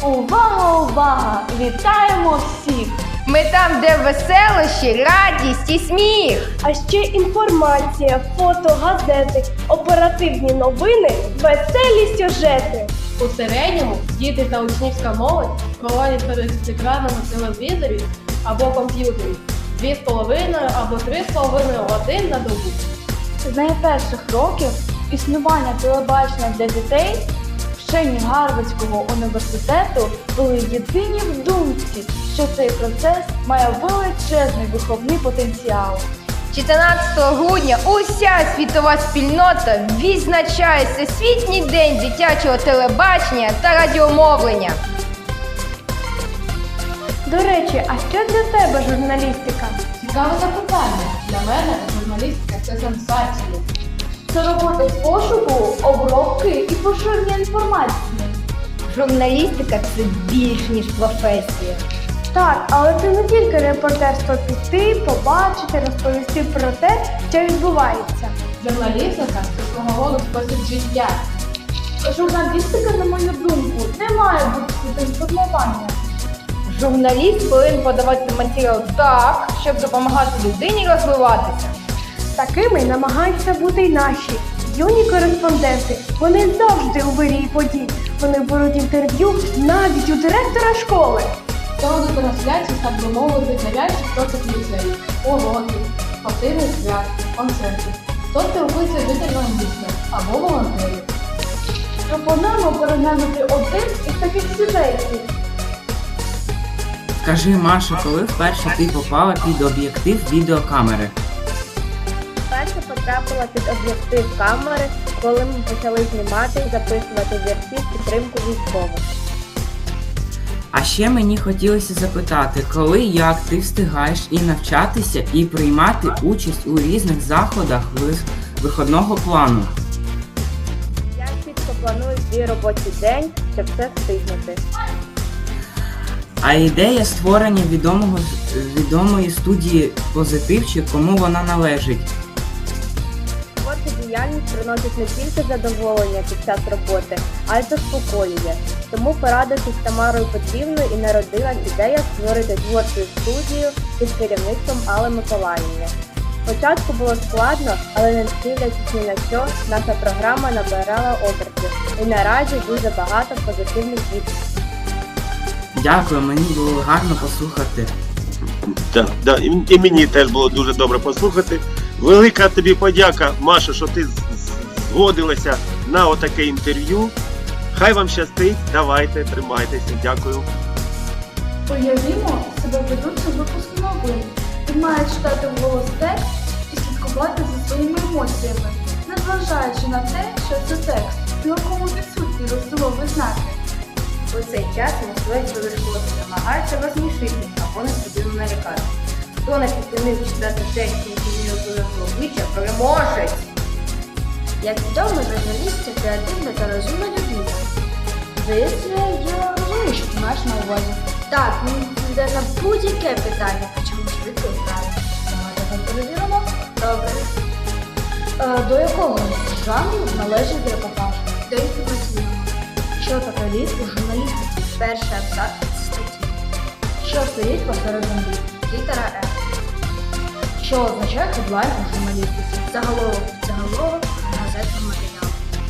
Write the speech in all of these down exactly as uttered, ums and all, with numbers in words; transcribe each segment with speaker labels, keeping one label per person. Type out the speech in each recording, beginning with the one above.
Speaker 1: Увага, увага! Вітаємо всіх!
Speaker 2: Ми там, де веселощі, радість і сміх.
Speaker 3: А ще інформація, фото, газети, оперативні новини, веселі сюжети.
Speaker 4: У середньому діти та учнівська молодь проводять перед екранами телевізорів або комп'ютерів дві з половиною або три з половиною годин на добу.
Speaker 1: З найперших років існування телебачення для дітей вчені Гарвардського університету були єдині в думці, що цей процес має величезний виховний потенціал.
Speaker 2: чотирнадцятого грудня уся світова спільнота відзначає Всесвітній день дитячого телебачення та радіомовлення.
Speaker 3: До речі, а що для тебе журналістика?
Speaker 4: Цікаве запитання. Для мене журналістика – це сенсація.
Speaker 1: Це робота з пошуку, обробки і поширення інформації.
Speaker 2: Журналістика – це більш ніж професія.
Speaker 3: Так, але це не тільки репортерство піти, побачити, розповісти про те, що відбувається.
Speaker 4: Журналістика – це свого роду спосіб життя.
Speaker 1: Журналістика, на мою думку, не має бути інформування.
Speaker 2: Журналіст повинен подавати матеріал так, щоб допомагати людині розвиватися.
Speaker 3: Такими намагаються бути й наші юні кореспонденти. Вони завжди у вирії подій. Вони беруть інтерв'ю навіть у директора школи.
Speaker 4: Проводу трансляції, так би мовити, нав'язчих процес ліцею, уроків, спортивних свят, концертів. Хто спілкується з жителями міста або волонтерів.
Speaker 1: Пропонуємо переглянути один із таких сюжетів.
Speaker 5: Скажи, Маша, коли вперше ти попала під об'єктив відеокамери?
Speaker 6: Перше потрапила під об'єктив камери, коли ми почали знімати і записувати вірші в підтримку військових.
Speaker 5: А ще мені хотілося запитати, коли і як ти встигаєш і навчатися, і приймати участь у різних заходах вис- виходного плану?
Speaker 6: Я чітко планую свій робочий день, щоб все встигнути.
Speaker 5: А ідея створення відомого, відомої студії «Позитив» чи кому вона належить?
Speaker 6: Творча діяльність приносить не тільки задоволення під час роботи, а й заспокоює. Тому, порадившись з Тамарою Петрівною, і народилась ідея створити творчу студію під керівництвом Алли Миколаївни. Спочатку було складно, але не дивлячись ні на що, наша програма набирала обертів. І наразі дуже багато позитивних відгуків.
Speaker 5: Дякую, мені було гарно послухати.
Speaker 7: Так, да, і, і мені теж було дуже добре послухати. Велика тобі подяка, Маша, що ти з- з- згодилася на отаке інтерв'ю. Хай вам щастить, давайте, тримайтеся, дякую.
Speaker 1: Уявімо себе ведучим випуску новин. Він має читати вголос текст і слідкувати за своїми емоціями, незважаючи на те, що це текст, в якому відсутні розділові знаки.
Speaker 2: У цей час мисливець вирішило намагається розсмішити або несподівано налякати. Хто не підтримив читати текст, який не розумів обличчя, переможець!
Speaker 6: Як відомо, журналіст – це креативна та розумна людина.
Speaker 1: Здається, я розумію, що ти маєш на увазі.
Speaker 6: Так, він йде на будь-яке питання, причому швидко і правильно.
Speaker 1: Давайте так перевіримо.
Speaker 6: Добре.
Speaker 1: Е, до якого жанру належить репортаж?
Speaker 6: До інформаційного.
Speaker 1: Що таке ліс у журналістиці?
Speaker 6: Перший абзац статті.
Speaker 1: Що стоїть посеред землі?
Speaker 6: Літера Р.
Speaker 1: Що означає хедлайн у журналістиці?
Speaker 6: Заголовок. Заголовок газетного матеріалу.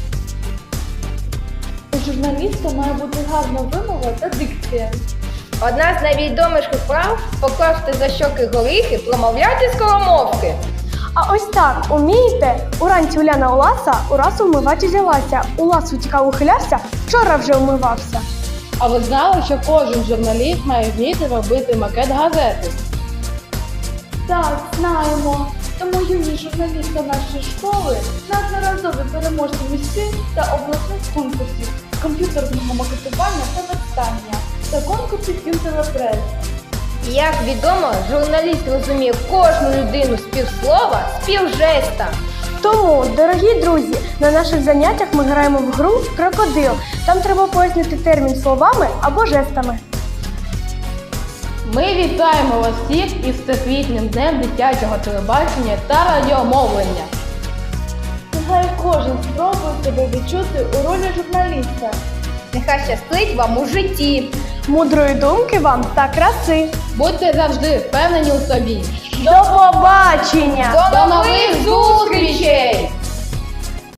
Speaker 1: У журналіста має бути гарна вимова та дикція.
Speaker 2: Одна з найвідоміших прав – покласти за щоки горіхи, промовляти скоромовки.
Speaker 3: А ось так, умієте? Уранці Уляна Уласа, ураз умивати взялася. Улас утікав, ухилявся, вчора вже умивався.
Speaker 4: А ви знали, що кожен журналіст має вміти робити макет газети?
Speaker 1: Так, знаємо. Тому юні журналісти нашої школи неодноразові переможці міських та обласних конкурсів з комп'ютерного макетування та верстання та конкурсів «Інтелепрес».
Speaker 2: Як відомо, журналіст розуміє кожну людину з півслова, з півжеста.
Speaker 3: Тому, дорогі друзі, на наших заняттях ми граємо в гру «Крокодил». Там треба пояснити термін словами або жестами.
Speaker 4: Ми вітаємо вас всіх із Всесвітнім днем дитячого телебачення та радіомовлення.
Speaker 1: Нехай кожен спробує себе відчути у ролі журналіста.
Speaker 2: Нехай щастить вам у житті.
Speaker 3: Мудрої думки вам та краси.
Speaker 4: Будьте завжди впевнені у собі.
Speaker 3: До побачення!
Speaker 2: До нових зустрічей!